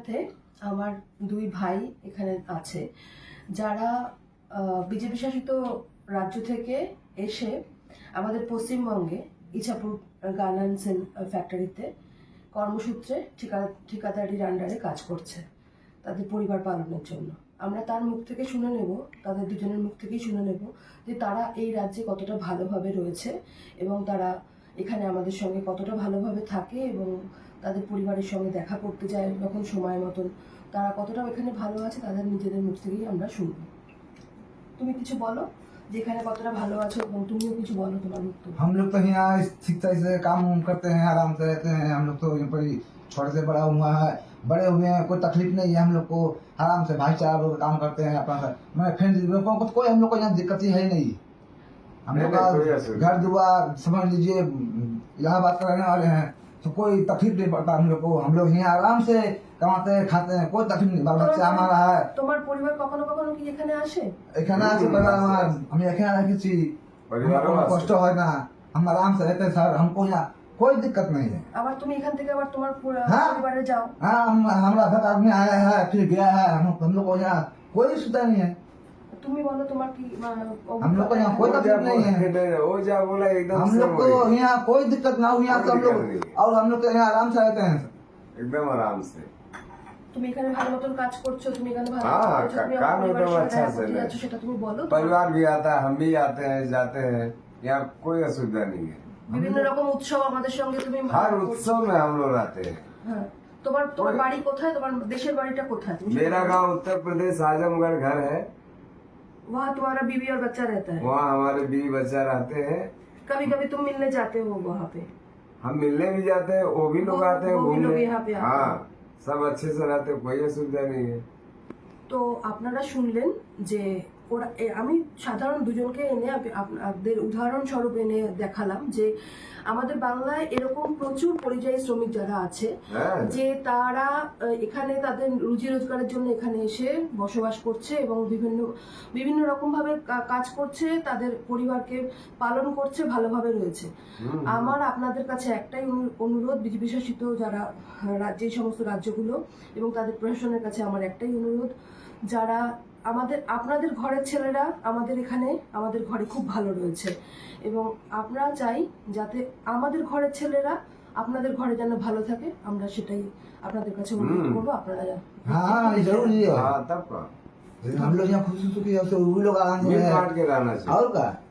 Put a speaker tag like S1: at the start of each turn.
S1: সাথে আমার দুই ভাই এখানে আছে যারা বিজেপি শাসিত রাজ্য থেকে এসে আমাদের পশ্চিমবঙ্গে ইছাপুর গার্মেন্টস ফ্যাক্টরিতে কর্মসূত্রে ঠিকাদারির আন্ডারে কাজ করছে তাদের পরিবার পালনের জন্য। আমরা তার মুখ থেকে শুনে নেব, তাদের দুজনের মুখ থেকেই শুনে নেব যে তারা এই রাজ্যে কতটা ভালোভাবে রয়েছে এবং তারা এখানে আমাদের সঙ্গে কতটা ভালোভাবে থাকে এবং তাদের পরিবারের সঙ্গে দেখা করতে যায় যখন সময় মতন তারা কতটা এখানে ভালো আছে তাদের নিজেদের মুখ থেকেই আমরা শুনব। তুমি কিছু বলো যে এখানে কতটা ভালো আছো এবং তুমিও কিছু বলো তোমার মুখ থেকে।
S2: हम लोग तो यहाँ ठीक तरह से काम उम करते हैं, आराम से रहते हैं। हम लोग तो यहाँ पर ही छोटे से बड़ा हुआ है, बड़े हुए हैं, कोई तकलीफ नहीं है। हम लोग को आराम से भाईचारा लोग काम करते हैं अपना। मैं फ्रेंड लोगों को कोई हम लोग को यहाँ दिक्कत ही है नहीं। हम लोग का घर दुआर समझ लीजिए इलाहाबाद का रहने वाले हैं, तो कोई तकलीफ नहीं पड़ता हम लोग को। हम लोग यहाँ आराम से कमाते हैं, खाते हैं, कोई तकलीफ नहीं। बाल बच्चा हमारा है।
S1: তোমার পরিবার কখনো কখনো কি এখানে আসে?
S2: এখানে আছে बड़ा हम এখানে রেখেছি, কষ্ট হয় না, हम आराम से रहते हैं सर। हमको यहाँ कोई दिक्कत नहीं है।
S1: আবার তুমি এখান থেকে আবার তোমার
S2: हाँ।
S1: পরিবারে যাও।
S2: हाँ, हमारा घर आदमी आया है फिर गया है। हम लोग को यहाँ कोई सुविधा नहीं है।
S1: তুমি বলো তোমার কি
S2: हम लोग को यहाँ कोई तकलीफ नहीं है।
S3: वो जा बोला एकदम
S2: हम लोग को यहाँ कोई दिक्कत ना हो। यहाँ सब लोग और हम लोग यहाँ आराम से रहते हैं।
S3: एकदम आराम से।
S1: তুমি এখানে ভালো মতন কাজ করছো, তুমি এখানে ভালো
S3: हाँ,
S1: মতন করছো, তুমি
S3: काम
S1: আমার পরিবারের
S3: एकदम
S1: সঙ্গে
S3: अच्छा
S1: দেখা
S3: से
S1: করতে
S3: है।
S1: যাচ্ছ সেটা তুমি বলো।
S3: परिवार भी आता है, हम भी आते हैं जाते हैं, यहाँ कोई असुविधा नहीं है।
S1: বিভিন্ন রকম উৎসব আমাদের সঙ্গে তুমি
S3: हर उत्सव में हम लोग आते हैं।
S1: হ্যাঁ। তোমার বাড়ি কোথায়? তোমার দেশের বাড়িটা কোথায়?
S3: मेरा गांव उत्तर प्रदेश आजमगढ़ घर है।
S1: वहाँ तुम्हारा बीवी और बच्चा रहता है?
S3: वहाँ हमारे बीवी बच्चा रहते हैं।
S1: कभी कभी तुम मिलने जाते हो वहाँ पे?
S3: हम मिलने भी जाते हैं, वो भी लोग आते हैं
S1: वो भी लोग
S3: घूमने।
S1: यहाँ पे आते हैं।
S3: हाँ, सब अच्छे से रहते हैं, कोई असुविधा नहीं है।
S1: তো আপনারা শুনলেন যে ওরা আমি সাধারণ দুজনকে এনে আপনাদের উদাহরণস্বরূপ এনে দেখালাম যে আমাদের বাংলায় এরকম প্রচুর পরিযায়ী শ্রমিক যারা আছে
S3: হ্যাঁ।
S1: যে তারা এখানে তাদের রুজি রোজগারের জন্য এখানে এসে বসবাস করছে এবং বিভিন্ন রকম ভাবে কাজ করছে, তাদের পরিবারকে পালন করছে, ভালোভাবে রয়েছে। আমার আপনাদের কাছে একটাই অনুরোধ, বিজেপি শাসিত যারা রাজ্যে এই সমস্ত রাজ্যগুলো এবং তাদের প্রশাসনের কাছে আমার একটাই অনুরোধ, যারা আপনাদের ঘরের ছেলেরা আমাদের এখানে আমাদের ঘরে খুব ভালো রয়েছে এবং আমরা চাই যাতে আমাদের ঘরের ছেলেরা আপনাদের ঘরে যেন ভালো থাকে, আমরা সেটাই আপনাদের কাছে অনুরোধ করবো। আপনারা
S2: हाँ जरूरी है।
S3: हाँ, तब का
S2: हम लोग यहाँ खुशी सुखी है, वो भी लोग आराम से
S3: मिल
S2: रहे।
S3: बांट के रहना चाहिए।
S2: और का